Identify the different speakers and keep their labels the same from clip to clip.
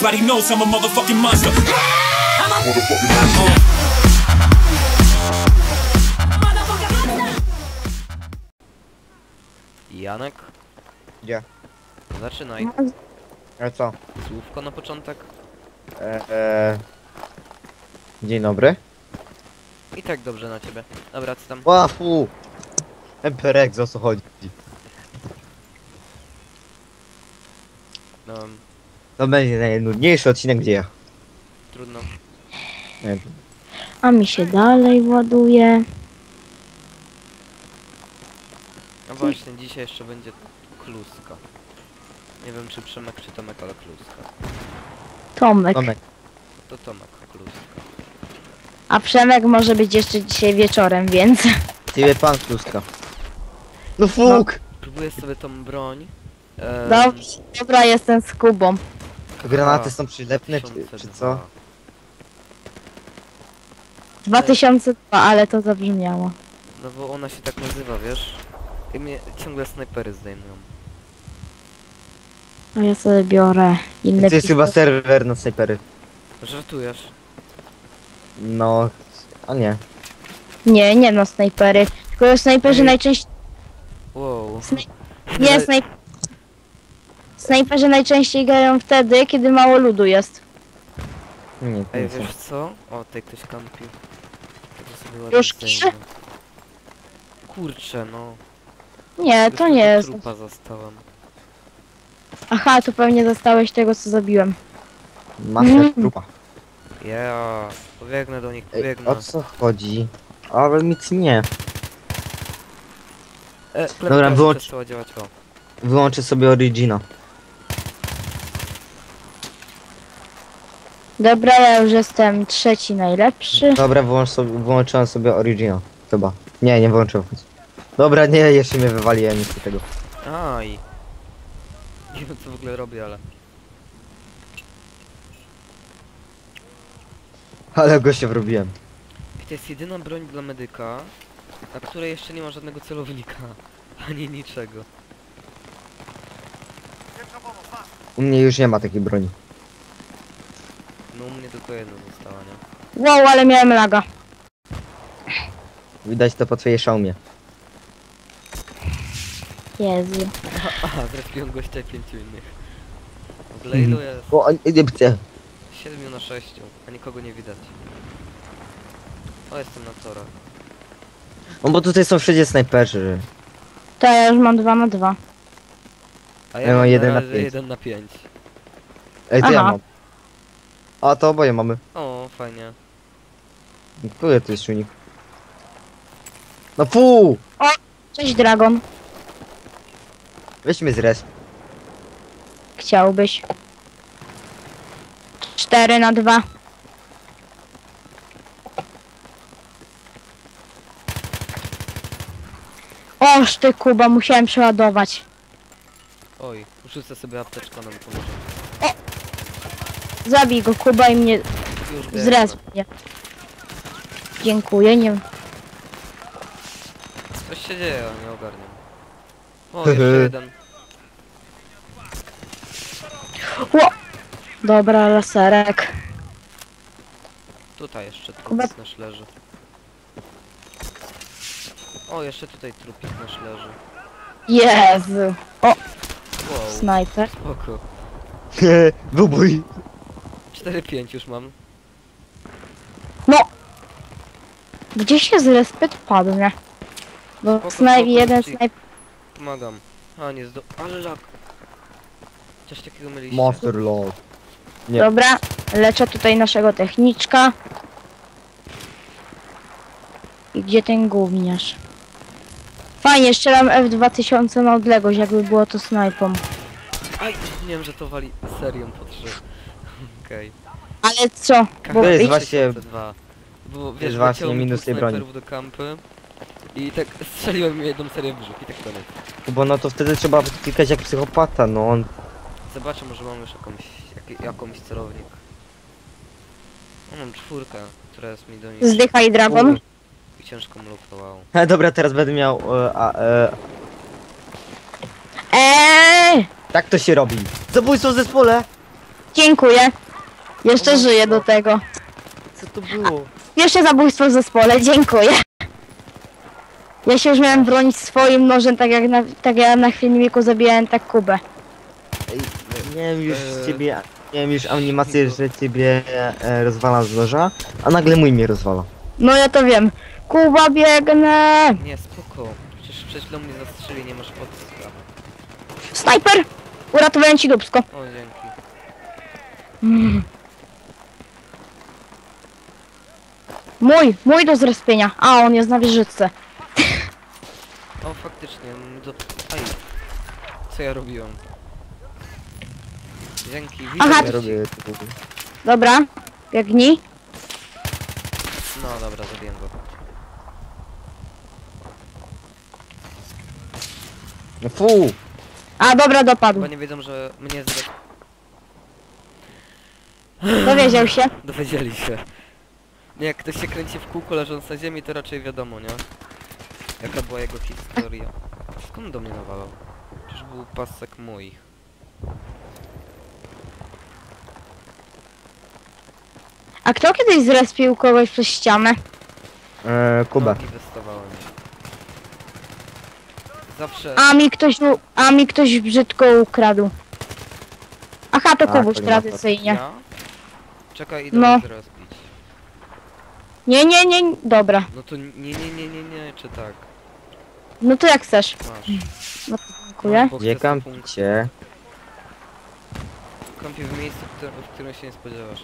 Speaker 1: Everybody knows I'm a motherfucking monster.
Speaker 2: Janek,
Speaker 3: Gdzie?
Speaker 2: zaczynaj.
Speaker 3: A co?
Speaker 2: Słówko na początek.
Speaker 3: Dzień dobry.
Speaker 2: I tak dobrze na ciebie. Dobra, co tam?
Speaker 3: Łafu! Emperex, o co chodzi?
Speaker 2: No,
Speaker 3: To będzie najnudniejszy odcinek, gdzie ja.
Speaker 2: trudno.
Speaker 3: Nie wiem.
Speaker 4: A mi się dalej ładuje.
Speaker 2: No właśnie, dzisiaj jeszcze będzie kluska. Nie wiem czy Przemek czy Tomek, ale kluska.
Speaker 4: Tomek.
Speaker 3: Tomek.
Speaker 2: To Tomek, kluska.
Speaker 4: A Przemek może być jeszcze dzisiaj wieczorem, więc...
Speaker 3: Ciebie pan Kluska. No fuk!
Speaker 2: Próbuję sobie tą broń.
Speaker 4: Dobrze, dobra, jestem z Kubą.
Speaker 3: Granaty są przylepne, czy
Speaker 2: 2002.
Speaker 3: co?
Speaker 4: 2002, ale to zabrzmiało.
Speaker 2: No bo ona się tak nazywa, wiesz? I mnie ciągle snajpery zdejmują.
Speaker 4: A ja sobie biorę inne
Speaker 3: To jest chyba serwer na snajpery.
Speaker 2: Żartujesz?
Speaker 3: No... A nie.
Speaker 4: Nie no, snajpery. Tylko snajperzy
Speaker 2: Ej.
Speaker 4: najczęściej...
Speaker 2: Wow.
Speaker 4: Nie, snajperzy najczęściej grają wtedy, kiedy mało ludu jest.
Speaker 3: Nie, to
Speaker 2: Ej,
Speaker 3: nie są.
Speaker 2: wiesz co? O, tutaj ktoś kampił. To sobie ładnie
Speaker 4: Już
Speaker 2: zdejmę. Kurczę, no.
Speaker 4: Nie,
Speaker 2: Już
Speaker 4: to
Speaker 2: tylko
Speaker 4: nie jest.
Speaker 2: trupa zastałem.
Speaker 4: Aha, to pewnie zostałeś tego, co zabiłem.
Speaker 3: Master trupa.
Speaker 2: Ja pobiegnę do nich,
Speaker 3: Ej,
Speaker 2: pobiegnę.
Speaker 3: o co chodzi? Ale nic nie. Dobra, wyłącz-
Speaker 2: Przestała działać, o.
Speaker 3: Wyłączę sobie Origina.
Speaker 4: Dobra, ja już jestem trzeci najlepszy.
Speaker 3: Dobra, wyłączyłem sobie Origina. Chyba. Nie wyłączyłem. Dobra, nie, jeszcze mnie wywaliłem nic z tego.
Speaker 2: Aj. Nie wiem co w ogóle robię, ale...
Speaker 3: Ale go się wrobiłem.
Speaker 2: To jest jedyna broń dla medyka, na której jeszcze nie ma żadnego celownika. Ani niczego.
Speaker 3: U mnie już nie ma takiej broni.
Speaker 2: No u mnie tylko jedna została, nie?
Speaker 4: Wow, ale miałem laga.
Speaker 3: Widać to po twojej szaumie.
Speaker 4: Jezu.
Speaker 2: Aha, zrespiłem gościa i 5 innych. W ogóle ilu jest?
Speaker 3: O, nie chcę.
Speaker 2: 7 na 6, a nikogo nie widać. O, jestem na torach.
Speaker 3: No bo tutaj są wszędzie snajperzy.
Speaker 4: To ja już mam 2 na 2.
Speaker 2: A
Speaker 3: Ja mam 1 na
Speaker 2: razie
Speaker 3: 5.
Speaker 2: 1 na 5.
Speaker 3: Ej, to ja
Speaker 4: Aha.
Speaker 3: mam. A to oboje mamy.
Speaker 2: O, fajnie.
Speaker 3: Który to jest silnik? No fu!
Speaker 4: Cześć, Dragon.
Speaker 3: Weźmy z res.
Speaker 4: Chciałbyś. 4 na 2. Oż ty, Kuba, musiałem przeładować.
Speaker 2: Oj, rzucę sobie apteczkę, nam pomoże.
Speaker 4: Zabij go, Kuba, i mnie
Speaker 2: Już biegnę.
Speaker 4: zrezpnie. Dziękuję, nie...
Speaker 2: Coś się dzieje, ale nie ogarniam. O, jeszcze jeden.
Speaker 4: Ło! Dobra, laserek.
Speaker 2: Tutaj jeszcze
Speaker 4: Kuba-
Speaker 2: trup nasz leży. O, jeszcze tutaj trupik nasz leży.
Speaker 4: Jezu. O,
Speaker 2: Wow,
Speaker 4: snajper.
Speaker 2: spoko.
Speaker 3: Wybój!
Speaker 2: 4-5 już mam.
Speaker 4: No! Gdzie się zrespet padnie? Bo
Speaker 2: Spoko, spoko,
Speaker 4: jeden
Speaker 2: ci-
Speaker 4: snajper...
Speaker 2: Pomagam. A, nie ale lag. Coś takiego myliście.
Speaker 3: Monster Lord. Nie.
Speaker 4: Dobra, leczę tutaj naszego techniczka. I gdzie ten gówniarz? Fajnie, strzelam F2000 na odległość, jakby było to snajpą.
Speaker 2: Aj, nie wiem, że to wali serią po 3. Okej.
Speaker 4: Ale co? Bo
Speaker 3: To jest
Speaker 4: ich-
Speaker 3: właśnie-
Speaker 2: 2002. Bo wiesz,
Speaker 3: jest właśnie
Speaker 2: leciało mi
Speaker 3: minus
Speaker 2: dwóch
Speaker 3: tej broni.
Speaker 2: snajperów do kampy. I tak strzeliłem mi jedną serię w brzuch i tak koniec.
Speaker 3: Bo no to wtedy trzeba klikać jak psychopata, no on...
Speaker 2: Zobaczę, może mam już jakąś celownik. O, mam 4, która jest mi do niej
Speaker 4: Zdychaj, Dragon.
Speaker 2: i ciężką lupę, wow.
Speaker 3: Dobra, teraz będę miał...
Speaker 4: Eee!
Speaker 3: Tak to się robi. Zabójstwo w zespole!
Speaker 4: Dziękuję. Jeszcze żyję do tego.
Speaker 2: Co to było?
Speaker 4: Pierwsze zabójstwo w zespole, dziękuję. Ja się już miałem bronić swoim nożem, tak jak na filmiku zabijałem tak Kubę.
Speaker 3: Ej, miałem już ciebie, miałem już animację, że ciebie rozwala z noża, a nagle mój mnie rozwala.
Speaker 4: No ja to wiem. Kuba, biegnę!
Speaker 2: Nie, spoko. Przecież przed chwilą mnie zastrzeli, nie masz podstaw.
Speaker 4: Snajper! Uratowałem ci dupsko.
Speaker 2: O, dzięki.
Speaker 4: Mój do zrespienia. A, on jest na wieżyczce.
Speaker 2: O, faktycznie. Aj. Co ja robiłem? Dzięki, widzę.
Speaker 4: Aha,
Speaker 3: Ja robię...
Speaker 4: Dobra, biegnij.
Speaker 2: No dobra, zabiję go.
Speaker 3: No fu!
Speaker 4: A, dobra, dopadł.
Speaker 2: Chyba nie wiedzą, że mnie
Speaker 4: Dowiedział się.
Speaker 2: dowiedzieli się. Nie, jak ktoś się kręci w kółko leżąc na ziemi, to raczej wiadomo, nie? Jaka była jego historia. Skąd do mnie nawalał? Przecież był pasek mój.
Speaker 4: A kto kiedyś zrespił kogoś przez ścianę?
Speaker 3: Kuba.
Speaker 2: Nogi wystawałem. Zawsze...
Speaker 4: A mi ktoś brzydko ukradł. Aha, to
Speaker 3: A,
Speaker 4: Kubuś
Speaker 3: to nie ma
Speaker 4: tradycyjnie.
Speaker 2: Ja? Czekaj, idę
Speaker 4: No.
Speaker 2: teraz pić.
Speaker 4: Nie, dobra.
Speaker 2: No to nie, czy tak?
Speaker 4: No to jak chcesz.
Speaker 2: Masz.
Speaker 4: No to dziękuję.
Speaker 2: Bo
Speaker 3: Gdzie
Speaker 2: chcę sobie punkt-
Speaker 3: kampicie?
Speaker 2: Kąpię w miejscu, w którym się nie spodziewasz.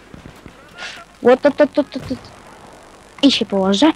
Speaker 4: To. I się położę.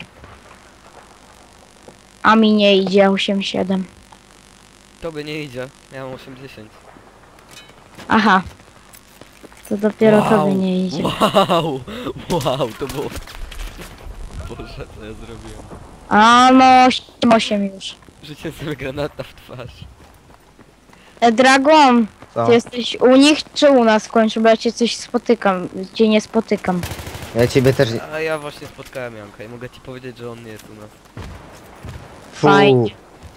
Speaker 4: A mi nie idzie 8-7.
Speaker 2: Tobie nie idzie, ja mam 80.
Speaker 4: Aha. To dopiero tobie nie idzie.
Speaker 2: Wow, to było... Boże, co ja zrobiłem?
Speaker 4: A no 8 już.
Speaker 2: Życie sobie granata w twarz.
Speaker 4: Dragon,
Speaker 3: Co?
Speaker 4: ty jesteś u nich czy u nas w końcu? Bo ja cię coś spotykam, cię nie spotykam.
Speaker 3: Ja ciebie też...
Speaker 2: A ja właśnie spotkałem Janka i mogę ci powiedzieć, że on nie jest u nas.
Speaker 3: Fu!
Speaker 4: Fajnie.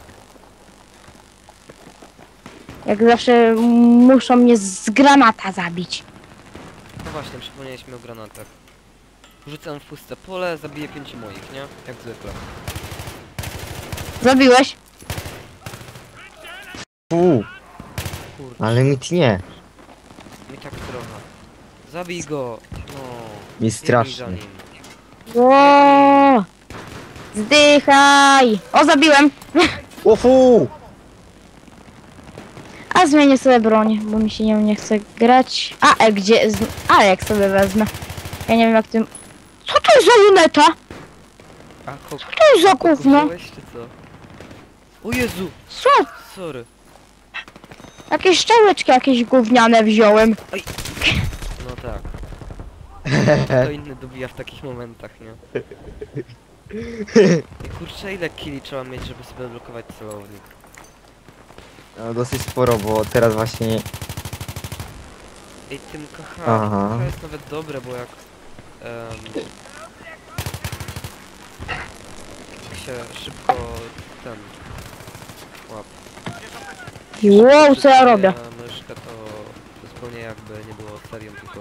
Speaker 4: Jak zawsze muszą mnie z granata zabić.
Speaker 2: No właśnie, przypomnieliśmy o granatach. Rzucam w puste pole, zabiję 5 moich, nie? Jak zwykle.
Speaker 4: Zabiłeś?
Speaker 3: Fu!
Speaker 2: Kurczę,
Speaker 3: Ale mi tnie.
Speaker 2: mi tak trochę. Zabij go! No.
Speaker 3: Mi
Speaker 2: biegnij za
Speaker 3: strasznie.
Speaker 2: nim.
Speaker 4: Ło! Zdychaj! O, zabiłem!
Speaker 3: O fu!
Speaker 4: A zmienię sobie broń, bo mi się nią nie chce grać. A, gdzie? A, jak sobie wezmę. Ja nie wiem jak tym... Co to jest za luneta?
Speaker 2: A
Speaker 4: Co to jest za gówno?
Speaker 2: wziąłeś, czy co? O Jezu!
Speaker 4: Co?
Speaker 2: Sorry.
Speaker 4: Jakieś szczałeczki jakieś gówniane wziąłem.
Speaker 2: No tak. To inny dobija w takich momentach, nie? I kurczę, ile killi trzeba mieć, żeby sobie blokować celownik?
Speaker 3: No, dosyć sporo, bo teraz właśnie...
Speaker 2: Ej, tym KH,
Speaker 3: Aha.
Speaker 2: KH jest nawet dobre, bo jak... jak się szybko ten... łap.
Speaker 4: Wow, co ja robię?
Speaker 2: Myszkę to zupełnie jakby nie było serią, tylko...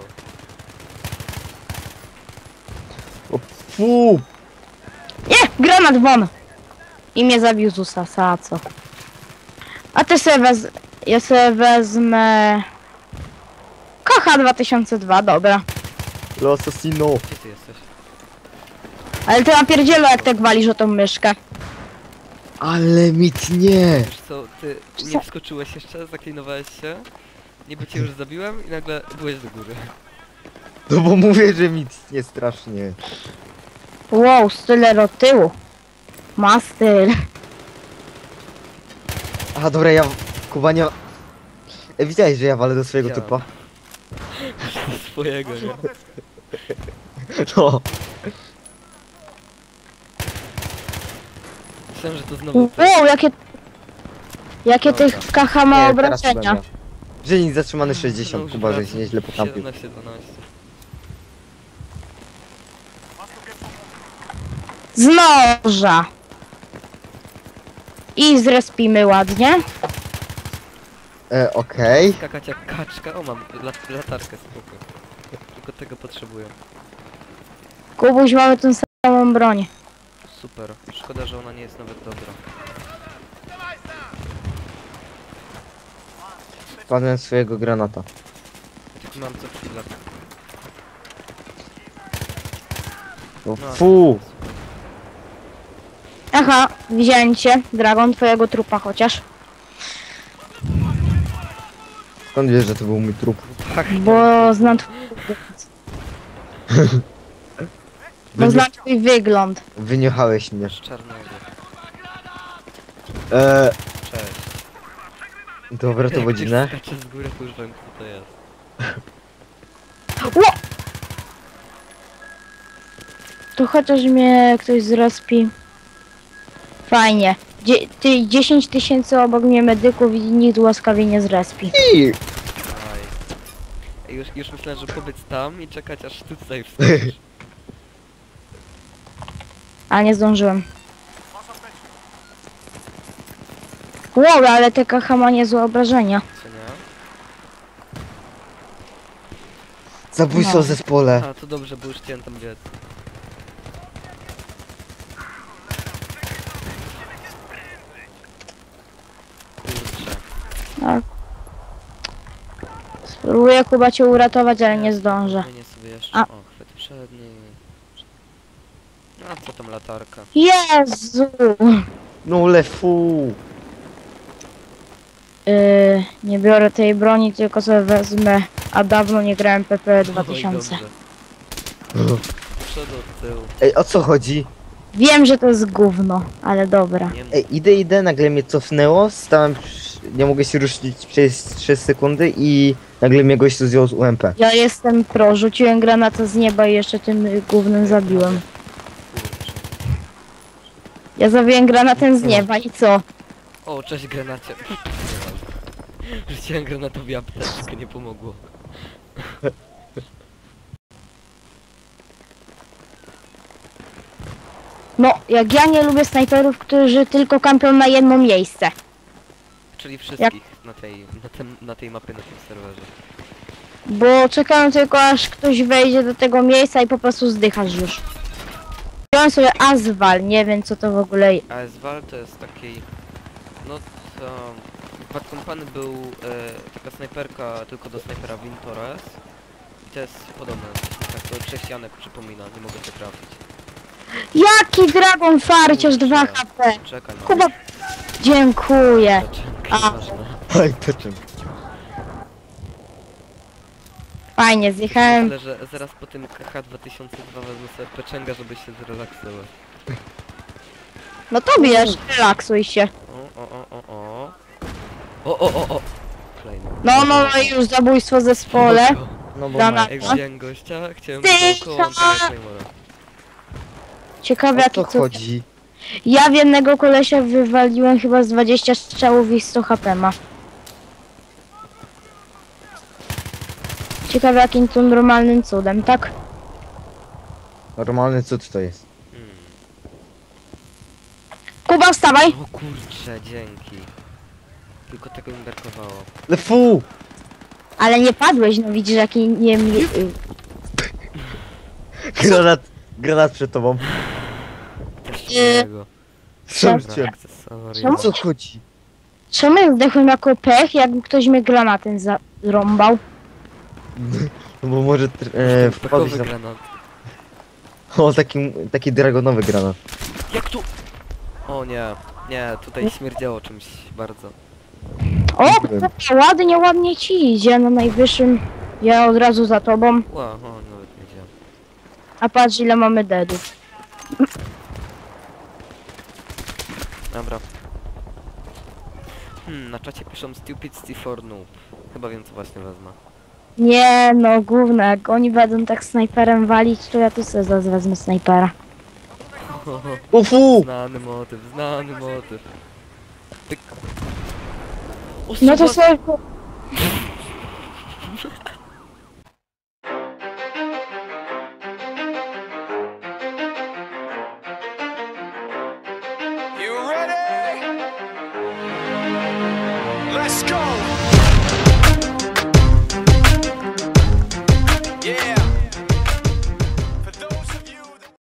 Speaker 3: O fu!
Speaker 4: Nie! Granat won! I mnie zabił z Usasa, a co? A ty sobie ja sobie wezmę... Kocha 2002, dobra.
Speaker 3: L'assassino!
Speaker 2: Gdzie ty jesteś?
Speaker 4: Ale ty napierdzielo jak tak walisz o tą myszkę.
Speaker 3: Ale mi tnie!
Speaker 2: Wiesz co, ty nie wskoczyłeś jeszcze, zaklinowałeś się, niby cię już zabiłem i nagle byłeś do góry.
Speaker 3: No bo mówię, że mi tnie strasznie.
Speaker 4: Wow, style od tyłu. Ma styl.
Speaker 3: A dobra, ja... Kuba nie... Widziałeś, że ja walę do swojego
Speaker 2: Widziałem.
Speaker 3: typa?
Speaker 2: Swojego, nie?
Speaker 3: No.
Speaker 2: Myślałem, że to znowu ty.
Speaker 4: Wow, jakie
Speaker 2: Dobra.
Speaker 4: tych KH ma
Speaker 3: Nie, teraz Kuba
Speaker 4: obrażenia.
Speaker 3: miał. Dziennik zatrzymany 60,
Speaker 2: Znowu
Speaker 3: Kuba,
Speaker 2: wraca.
Speaker 3: żeś nieźle pokampił.
Speaker 2: 17-12.
Speaker 4: Z noża. I zrespimy ładnie.
Speaker 3: Okej.
Speaker 2: Skakać jak kaczka. O, mam latarkę, spoko. Tylko tego potrzebuję.
Speaker 4: Kubuś, mamy tą samą broń.
Speaker 2: Super. Szkoda, że ona nie jest nawet dobra.
Speaker 3: Wpadłem w swojego granata.
Speaker 2: Tylko mam co chwilę.
Speaker 3: O,
Speaker 2: No,
Speaker 3: fu!
Speaker 4: Aha, widziałem cię, Dragon, twojego trupa chociaż.
Speaker 3: Skąd wiesz, że to był mój trup?
Speaker 4: Bo znam bo znam twój wygląd.
Speaker 3: Wyniechałeś mnie.
Speaker 2: Z czarnego. Cześć.
Speaker 3: Dobra, to
Speaker 2: Jak
Speaker 3: godzinę.
Speaker 2: ktoś skacze z góry, to już wiem, kto to jest.
Speaker 4: Ło! To chociaż mnie ktoś zrespi. Fajnie. 10 000 obok mnie medyków i nikt łaskawie nie zrespi.
Speaker 3: I...
Speaker 2: Aj. Już myślałem, że pobyć tam i czekać aż ty tutaj wskoczysz.
Speaker 4: A nie zdążyłem. Wow, ale te KH ma niezłe obrażenia.
Speaker 2: Co nie?
Speaker 3: Zabójstwo
Speaker 4: No.
Speaker 3: w zespole.
Speaker 2: A, to dobrze, bo już chciałem tam biec. Kurczę.
Speaker 4: Tak. Spróbuję Kuba cię uratować, ale nie zdążę.
Speaker 2: Zmienię sobie jeszcze.
Speaker 4: A.
Speaker 2: O, chwyt przedni. A co tam latarka?
Speaker 4: Jezu!
Speaker 3: No le fu!
Speaker 4: Nie biorę tej broni, tylko sobie wezmę. A dawno nie grałem PP 2000.
Speaker 2: Oj, dobrze. Przodu od tyłu.
Speaker 3: Ej, o co chodzi?
Speaker 4: Wiem, że to jest gówno, ale dobra.
Speaker 2: Nie mów.
Speaker 3: Ej, idę, nagle mnie cofnęło, stałem, nie mogę się ruszyć przez 3 sekundy i nagle mnie gościu zdjął z UMP.
Speaker 4: Ja jestem pro, rzuciłem granatę z nieba i jeszcze tym gównem zabiłem.
Speaker 2: Kurczę.
Speaker 4: Ja zabiłem granatę z nieba i co?
Speaker 2: O, cześć granacie. Rzuciłem granatowi apteczkę, nie pomogło.
Speaker 4: No, jak ja nie lubię snajperów, którzy tylko kampią na jedno miejsce.
Speaker 2: Czyli wszystkich na tej mapie, na tym serwerze.
Speaker 4: Bo czekałem tylko aż ktoś wejdzie do tego miejsca i po prostu zdychasz już. Wziąłem sobie Aswal, nie wiem co to w ogóle jest.
Speaker 2: ASWAL to jest taki... No to... W Bad Company był taka snajperka tylko do snajpera Wintores. I to jest podobne, tak to cześcianek przypomina, nie mogę to trafić.
Speaker 4: Jaki Dragon Farciarz 2 HP!
Speaker 2: Czekaj, no.
Speaker 4: Kuba, dziękuję. A.
Speaker 2: Nieważne.
Speaker 3: Oj, to czym?
Speaker 4: Fajnie, zjechałem.
Speaker 2: Myślę, że zaraz po tym KH 2002 wezmę sobie peczęga, żeby się zrelaksować.
Speaker 4: No to bierz, relaksuj się.
Speaker 2: O. O. Klejno.
Speaker 4: No i już zabójstwo zespole.
Speaker 3: No bo
Speaker 4: Dana-
Speaker 3: ma...
Speaker 2: Jak wziąłem gościa, chciałem
Speaker 4: Tycha!
Speaker 2: go koło Claymora.
Speaker 4: Ciekawe
Speaker 3: O
Speaker 4: jaki
Speaker 3: co
Speaker 4: co.
Speaker 3: chodzi?
Speaker 4: Ja w jednego kolesia wywaliłem chyba z 20 strzałów i 100 HP ma. Ciekawe jakim to normalnym cudem, tak?
Speaker 3: Normalny cud to jest.
Speaker 4: Kuba, wstawaj!
Speaker 2: O kurcze, dzięki. Tylko tego mi brakowało.
Speaker 3: Le fu!
Speaker 4: Ale nie padłeś, no widzisz jaki nie...
Speaker 3: Granat przed tobą.
Speaker 2: Też
Speaker 4: Nie.
Speaker 2: innego.
Speaker 3: Szybciej.
Speaker 2: Akcesoria.
Speaker 3: O co chodzi?
Speaker 4: Czemu ja zdechłem jako pech, jakby ktoś mnie granatem zarąbał?
Speaker 3: No bo może wpadłeś
Speaker 2: Pechowy
Speaker 3: na...
Speaker 2: granat.
Speaker 3: O, taki dragonowy granat.
Speaker 2: Jak tu? O nie, tutaj śmierdziało czymś bardzo.
Speaker 4: O, ładnie ci idzie na najwyższym. Ja od razu za tobą.
Speaker 2: Ła, nawet nie wiedziałem.
Speaker 4: A patrz ile mamy deadów.
Speaker 2: Dobra. Na czacie piszą Stupid C4 Noob. Chyba wiem co właśnie wezmę.
Speaker 4: Nie no, gówno, jak oni będą tak snajperem walić, to ja tu sobie zaraz wezmę snajpera.
Speaker 3: Ufu!
Speaker 2: Znany motyw. Pyk. O,
Speaker 4: No to
Speaker 2: suwa-
Speaker 4: sobie...
Speaker 1: You ready? Let's go!